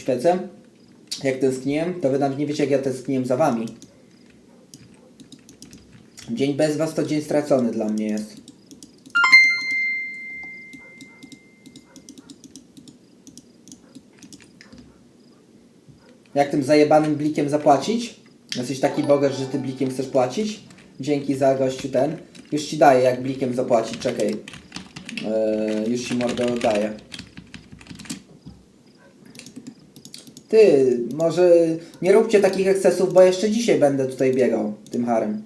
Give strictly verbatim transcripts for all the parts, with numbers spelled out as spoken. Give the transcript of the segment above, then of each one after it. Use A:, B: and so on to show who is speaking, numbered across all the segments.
A: świecę. Jak tęskniłem, to wy nawet nie wiecie, jak ja tęskniłem za wami. Dzień bez was to dzień stracony dla mnie jest. Jak tym zajebanym blikiem zapłacić? Jesteś taki bogasz, że ty blikiem chcesz płacić? Dzięki za gościu ten. Już ci daję, jak blikiem zapłacić, czekaj. Eee, już ci mordę oddaję. Ty, może nie róbcie takich ekscesów, bo jeszcze dzisiaj będę tutaj biegał tym harem.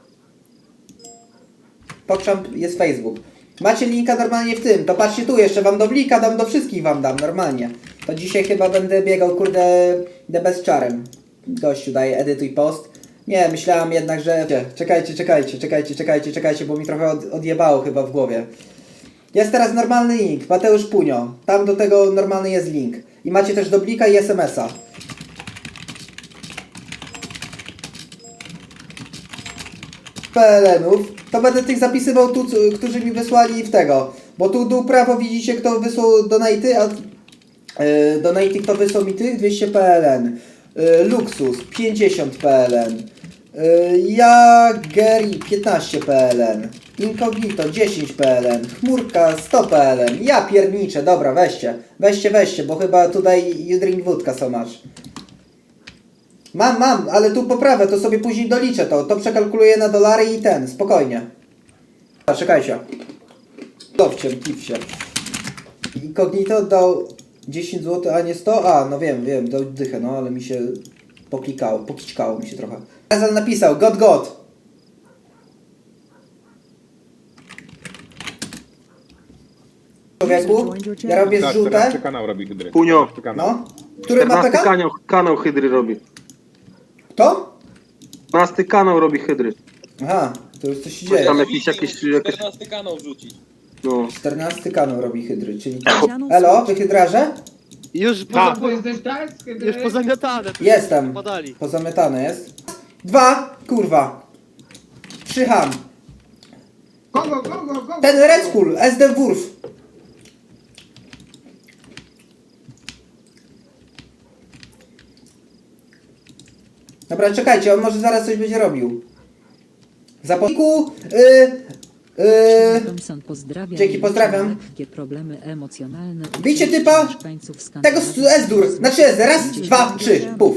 A: Pokrzam jest Facebook. Macie linka normalnie w tym, to patrzcie tu, jeszcze wam do blika dam, do wszystkich wam dam, normalnie. To dzisiaj chyba będę biegał, kurde, the best czarem. Gościu daje edytuj post. Nie, myślałem jednak, że... Czekajcie, czekajcie, czekajcie, czekajcie, czekajcie, bo mi trochę od, odjebało chyba w głowie. Jest teraz normalny link, Mateusz Punio. Tam do tego normalny jest link. I macie też do blika i es em es a. P L N-ów, to będę tych zapisywał tu, którzy mi wysłali w tego. Bo tu dół prawo widzicie, kto wysłał donaty, a yy, donaty kto wysłał mi tych dwieście P L N. Yy, Luxus pięćdziesiąt P L N. Yy, Jageri piętnaście P L N. Incognito dziesięć P L N. Chmurka sto P L N. Ja pierniczę, dobra, weźcie. Weźcie, weźcie, bo chyba tutaj you drink wódka so much. Mam, mam, ale tu poprawę, to sobie później doliczę to. To przekalkuluję na dolary i ten, spokojnie. A, czekajcie. Dowciem, kipsie. Incognito dał dziesięć złotych, a nie sto? A, no wiem, wiem, dał dychę, no ale mi się poklikało, pokićkało mi się trochę. Razal napisał, God God. Człowieku, ja robię
B: Tak,
A: żółte.
B: czternasty kanał robi Hydry.
C: Punio.
A: No. Który ma
C: czternasty
A: P K?
C: kanał, kanał Hydry robi.
A: To?
C: czternasty kanał robi Hydry.
A: Aha, to już coś się
C: Coś
A: dzieje.
C: tam jakieś, jakieś, jakieś...
D: czternasty kanał wrzucić.
C: No.
A: czternasty kanał robi Hydry, czyli... Elo, wy Hydrarze?
E: Już,
B: Tak.
E: poza, już pozamiatane. tu
A: Jestem.
E: Podali.
A: Pozamiatane jest. Dwa, kurwa. Trzy ham.
E: Go, go, go, go, go.
A: Ten Red Skull, S D Wurf. Dobra, czekajcie, on może zaraz coś będzie robił. Zapomniku, yy, yy,
F: Thompson pozdrawia.
A: Dzięki, pozdrawiam.
F: Lekkie problemy emocjonalne.
A: Bicie typa
F: Mieszkańców
A: tego
F: Skandynawii.
A: S-dur, znaczy S, raz, dwa, trzy, puf.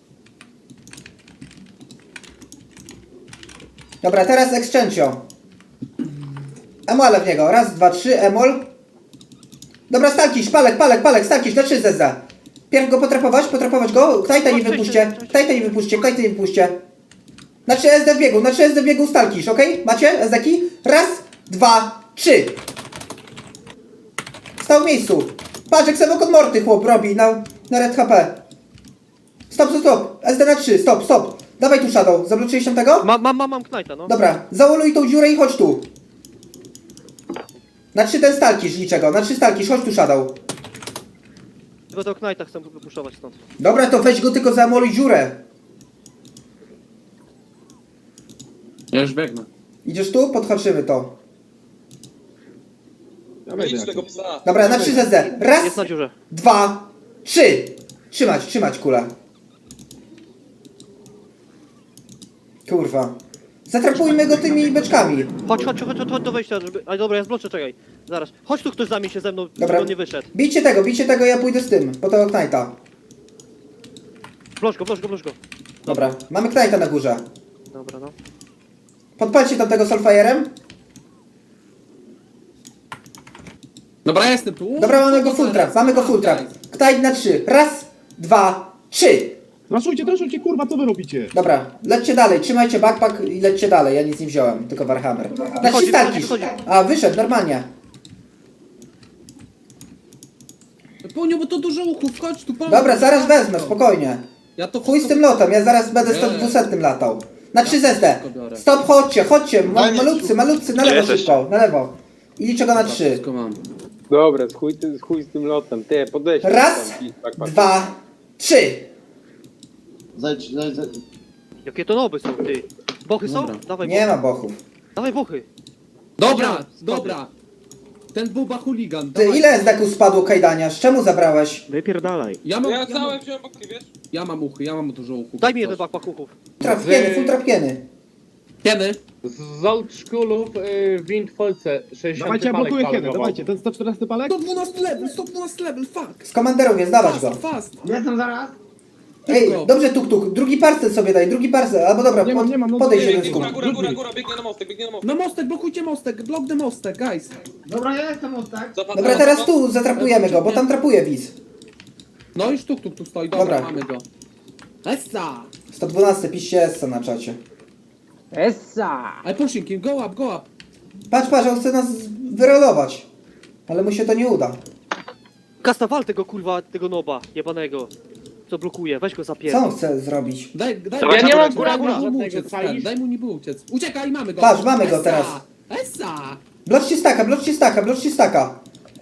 A: Dobra, teraz Excencio. Emola w niego, raz, dwa, trzy, emol. Dobra, Stalkisz, palek, palek, palek, Stalkisz, na trzy zezda. Pierw go potrapować, potrapować go, Ktajta nie wypuśćcie, Ktajta nie wypuśćcie, Ktajta nie wypuśćcie. Na trzy S D w biegu, na trzy S D w biegu Stalkisz, okej? Okay? Macie S D-ki? Raz, dwa, trzy. Stał w miejscu. Patrz, jak sobie od morty chłop robi na, na red H P. Stop, stop, stop. S D na trzy, stop, stop. Dawaj tu Shadow, zabloczyłeś tam tego?
E: Mam, mam, mam, mam Knajta, no.
A: Dobra, zaoluj tą dziurę i chodź tu. Na trzy ten Stalkisz, niczego, na trzy Stalkisz, chodź tu Shadow.
E: Tylko tego Knajta chcę wypuszczować stąd.
A: Dobra, to weź go tylko zaemoluj dziurę.
G: Ja już biegnę.
A: Idziesz tu? Podhaczymy to.
B: Ja wejdę
D: Idź tego
B: jakoś.
D: psa.
A: Dobra, na trzy Z D. Raz,
E: Jest na dziurze.
A: dwa, trzy. Trzymać, trzymać kulę. Kurwa. Zatrapujmy go tymi beczkami.
E: Chodź, chodź, chodź, chodź, chodź do wejścia, żeby... Ale dobra, ja zbloczę, czekaj. Zaraz. Chodź tu ktoś za mnie się ze mną,
A: Dobra.
E: żeby on nie wyszedd.
A: Bijcie tego, bijcie tego, ja pójdę z tym, po tego Knighta.
E: Bloż go, bloż go, bloż go.
A: Dobra, mamy Knighta na górze.
E: Dobra, no.
A: Podpalcie tam tego Soulfire'em.
G: Dobra, ja jestem tu.
A: Dobra, mamy go full trap, mamy go full trap. Knight na trzy. Raz, dwa, trzy.
B: Raszujcie, raszujcie, kurwa, co wy robicie?
A: Dobra, lećcie dalej, trzymajcie backpack i lećcie dalej, ja nic nie wziąłem, tylko Warhammer. Na trzy
E: Wychodzi,
A: Stalkisz.
E: wychodzi,
A: A, wyszedł, normalnie.
G: Poniu, bo to dużo uchów, chodź tu, pomóż.
A: Dobra, zaraz wezmę, spokojnie.
G: Ja to
A: Chuj z tym lotem, ja zaraz będę sto dwusetnym latał. Na trzy Z D. Stop, chodźcie, chodźcie, ma- malutcy, malutcy, na lewo szybko, na lewo. I liczę go na trzy.
G: Wszystko mam.
B: Dobra, chuj, ty, chuj z tym lotem, ty, podejdź.
A: Raz,
B: tam i tak, tak.
A: dwa, trzy.
H: Zejdź, zejdź, zejdź.
E: Jakie to noby są, ty. Bochy są?
G: Dobra.
E: Dawaj
A: Nie
E: bochy.
A: ma bochów.
E: Dawaj bochy.
G: Dobra, dobra. Ten buba chuligan.
A: Ty,
G: dawaj.
A: ile zdeku spadło kajdania? Z czemu zabrałeś?
E: Wypierdalaj.
G: Ja mam,
D: Ja
G: ja, mam,
D: całe wziąłem boki, wiesz?
G: ja mam uchy, ja mam dużo uchów.
E: Daj mi jeden bakpak uchów.
A: Trapkieny, full trapkieny.
G: Kiedy?
B: Z old schoolów y, w Windfolce sześćdziesiąty
I: Dawajcie, ja
B: palek
I: blokuję kiedy,
B: palował.
I: dawajcie, ten sto czternasty palek?
G: sto dwunasty level, sto dwunasty level, fuck!
A: Z komanderów jest, dawać
G: Fast,
A: go.
G: fast!
H: Jestem zaraz.
A: Ej,
G: Szybko.
A: dobrze tuk tuk, drugi parcel sobie daj, drugi parcel, albo dobra,
I: Nie mam,
A: pod,
I: nie mam, no
A: podejdź
I: to-
A: jeden
D: Biegnie,
A: skór.
D: góra, góra, góra, góra, biegnie na mostek, biegnie na mostek.
G: Na mostek, blokujcie mostek, block the mostek, guys!
H: Dobra, ja jestem od tak.
D: Zapadł,
A: Dobra, teraz tu zatrapujemy go, bo tam trapuje widz.
G: No już tuk tuk tu stoi, dobra,
A: Dobra.
G: mamy go. Essa!
A: sto dwanaście, piszcie S na czacie.
G: I pushing him, go up, go up!
A: Patrz, patrz, on chce nas wyrolować. Ale mu się to nie uda.
E: Kasta, wal tego kurwa, tego noba jebanego. Co blokuje, weź go
A: Co
E: zapierdol.
A: on chce zrobić?
G: Daj, daj,
B: Ja nie mam
G: góra,
B: góra,
G: daj mu
B: żadnego,
G: uciec,
B: czaisz?
G: Fer, daj mu niby uciec. Uciekaj, mamy go!
A: Patrz, mamy go
G: Essa!
A: teraz.
G: Essa!
A: Bloczcie staka, bloczcie staka, bloczcie staka.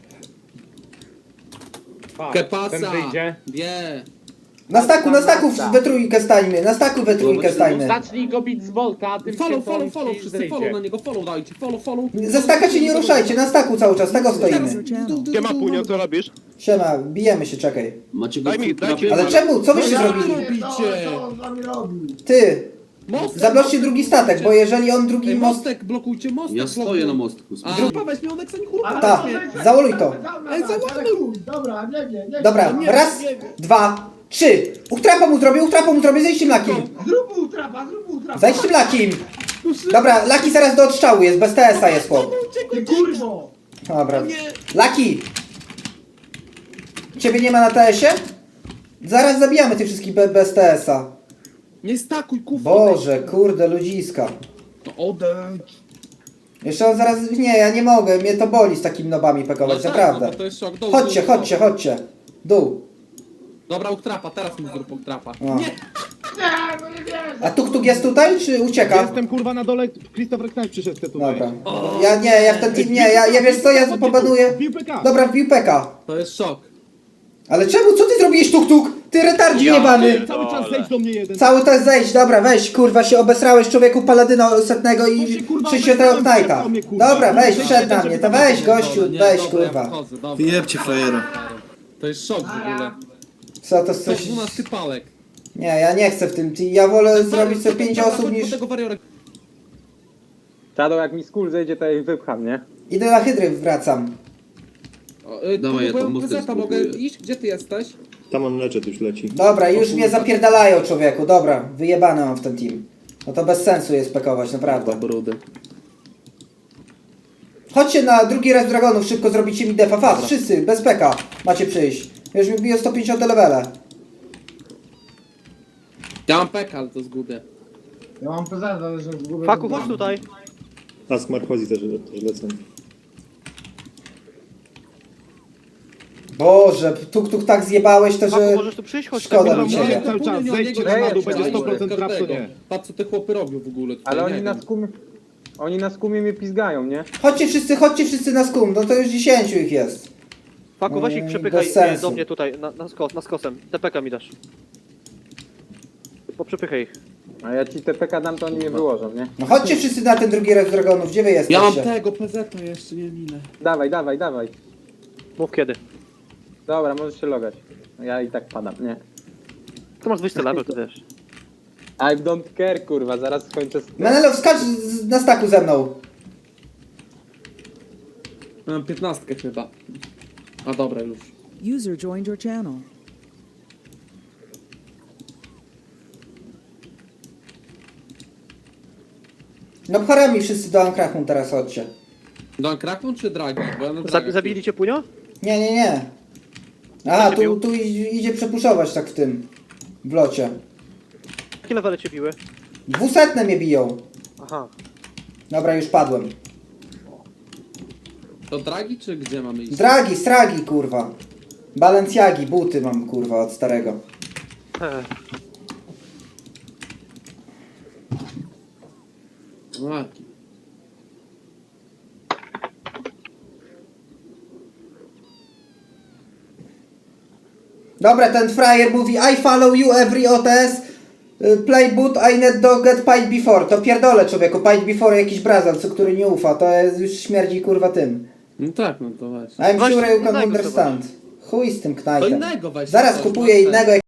G: Que
B: Ten
G: pasa?
B: wyjdzie.
G: Wie!
A: Na staku, na staku we trójkę stańmy, na staku we trójkę stańmy.
B: Zacznij go bić z Volta, a tym
G: Follow, follow,
B: pierdolić
G: follow,
B: i
G: wszyscy
B: zejdzie.
G: follow na niego, follow dajcie, follow, follow.
A: Ze staka się nie ruszajcie, na staku cały czas, tego stoimy.
E: Nie ma punio, co robisz?
A: Siema, bijemy się, czekaj.
H: Macie go
E: Daj mi, daj mi.
A: Ale czemu? Co wyście
G: No ja
A: zrobili?
G: robicie?
H: Co on z wami robi?
A: Ty,
G: Mostek,
A: zabloczcie drugi statek, bo jeżeli on drugi
G: Ej,
A: most...
G: mostek, blokujcie mostek.
J: Ja stoję na mostku.
G: A, grupa weźmie Oneksa, nie kurwa.
A: Ta, zaoluj to.
H: Ej, załaduj! Dobra, nie, nie, nie.
A: Dobra,
G: Nie,
A: raz,
G: nie.
A: dwa, trzy. Uchtrapa mu zrobię, uchtrapa mu zrobię, zejdźcie mlakim.
H: Zrób mu trapa, zrób mu trapa.
A: Zejdźcie mlakim. Dobra, Laki zaraz do odstrzału jest, bez T S-a jest chłop.
H: Ty kurwo!
A: Dobra. Laki! Ciebie nie ma na T S-ie? Zaraz zabijamy tych wszystkich be, bez T S-a.
G: Nie stakuj, kufa.
A: Boże, kurde, ludziska.
G: To odejdź.
A: Jeszcze on zaraz... Nie, ja nie mogę, mnie to boli z takimi nobami pekować,
G: No tak,
A: naprawdę.
G: no to jest szok. Dół,
A: Chodźcie,
G: dół, dół.
A: chodźcie, chodźcie. Dół.
G: Dobra, uktrapa, teraz mu zrób uktrapa.
A: O.
G: Nie!
H: Nie, no nie wierzę!
A: A tuk-tuk jest tutaj, czy ucieka?
I: Jestem kurwa na dole, Christopher Knight przyszedł tutaj.
A: Dobra. Ja nie, ja w ten team nie, ja, ja wiesz co, ja pobanuję...
I: Wbił P K.
A: Dobra, wbił Peka.
G: To jest szok.
A: Ale czemu, co ty zrobiłeś tuk-tuk? Ty retardzi jebany!
I: Cały czas zejdź do mnie jeden.
A: Cały czas zejść, dobra, weź, kurwa, się obesrałeś człowieku paladyna setnego
I: To
A: i
I: się, kurwa,
A: sześćdziesiątego
I: obesrałem,
A: Knighta.
I: przed mnie, kurwa.
A: Dobra, weź,
I: To
A: wszedł
I: się
A: na mnie, to weź gościu,
G: Dobra, nie,
A: weź,
G: dobra, ja
A: kurwa.
G: wchodzę, dobra.
J: Wyjebcie frajera.
G: To jest szok w ogóle.
A: Co, to
G: To
A: coś...
G: dwunasty palek.
A: Nie, ja nie chcę w tym team, ja wolę zrobić sobie pięć
G: Dobra,
A: osób
G: chodź po
A: niż...
G: tego wariora.
B: Shadow, jak mi skór zejdzie, to ja ich wypcham, nie?
A: Idę na hydry, wracam.
G: O, y,
J: Dawaj, ja
G: próbuję
J: tam mostek
G: prezenta, mogę
J: spróbuję.
G: iść? Gdzie ty jesteś?
I: Tam on leczet już leci.
A: Dobra, już mnie zapierdalają człowieku, dobra, wyjebane mam w ten team. No to bez sensu jest pekować, naprawdę.
J: Brudy.
A: Chodźcie na drugi raz Dragonów, szybko zrobicie mi defa, fast, wszyscy, bez peka macie przyjść. Już mi biją sto pięćdziesiąt levele.
G: Ja mam peka, ale to zgubię.
H: Ja mam prezent, ale że zgubię...
E: Faku, chodź tutaj.
I: A z Markozji też, też lecą.
A: Boże, tuk-tuk tak zjebałeś to,
E: Faku,
A: że...
E: możesz tu przyjść? Chodź
A: Szkoda
E: tak,
A: mi
E: kurwa,
A: ciebie.
E: nie.
I: Cały czas,
G: Nie, nie,
I: zejdźcie
G: nie,
I: na dół,
G: nie,
I: będzie
G: nie,
I: sto procent
G: nie,
I: trap, to
G: każdego.
I: nie.
G: Patrz co te chłopy robią w ogóle tutaj,
B: Ale
G: nie
B: oni na
G: wiem.
B: skumie... Oni na skumie mnie pizgają, nie?
A: Chodźcie wszyscy, chodźcie wszyscy na skum, no to już dziesięciu ich jest.
E: Faku, weź ich
A: Mm,
E: przepychaj
A: bez
E: nie,
A: sensu.
E: do mnie tutaj, na, na, skos, na skosem. T P K mi dasz. Poprzepychaj ich.
B: A ja ci T P K dam, to oni mnie wyłożą, nie?
A: No chodźcie wszyscy na ten drugi raz Dragonów, gdzie wy
G: Ja mam
A: jesteście?
G: tego, P Z jeszcze, nie wiem ile.
B: Dawaj, dawaj, dawaj.
E: Mów kiedy.
B: Dobra, możesz się logać. Ja i tak padam, nie?
E: To masz dwadzieścia level, to wiesz.
B: I don't care, kurwa, zaraz skończę z...
A: Menelo, wskacz z- na staku ze mną.
G: Mam piętnastkę chyba. A dobra już.
F: User joined your channel.
A: No pcharami wszyscy do Ankrachum teraz chodźcie.
G: Don Krakon czy Dragi? Bo ja na
E: Zabi
G: Dragach
E: zabili cię punio?
A: Nie, nie, nie. Aha,
E: cię
A: tu,
E: bił?
A: tu idzie, idzie przepuszować tak w tym. W locie.
E: Jakie levele cię biły?
A: Dwusetne mnie biją.
E: Aha.
A: Dobra, już padłem.
G: już. To Dragi czy gdzie mamy iść?
A: Dragi, stragi, kurwa. Balenciagi, buty mam, kurwa, od starego.
E: He.
G: A,
A: Dobra, ten frajer mówi I follow you every O T S. y, Play boot, I need to get paid before. To pierdolę człowieku, paid before jakiś brazal, co który nie ufa. To jest, już śmierdzi kurwa tym.
G: No tak, no to właśnie.
A: I'm
E: Właśnie
A: sure you can
E: innego
A: understand. Chuj z tym
G: To
A: knajtem.
G: innego weź.
A: Zaraz
G: coś,
A: kupuję
G: no,
A: innego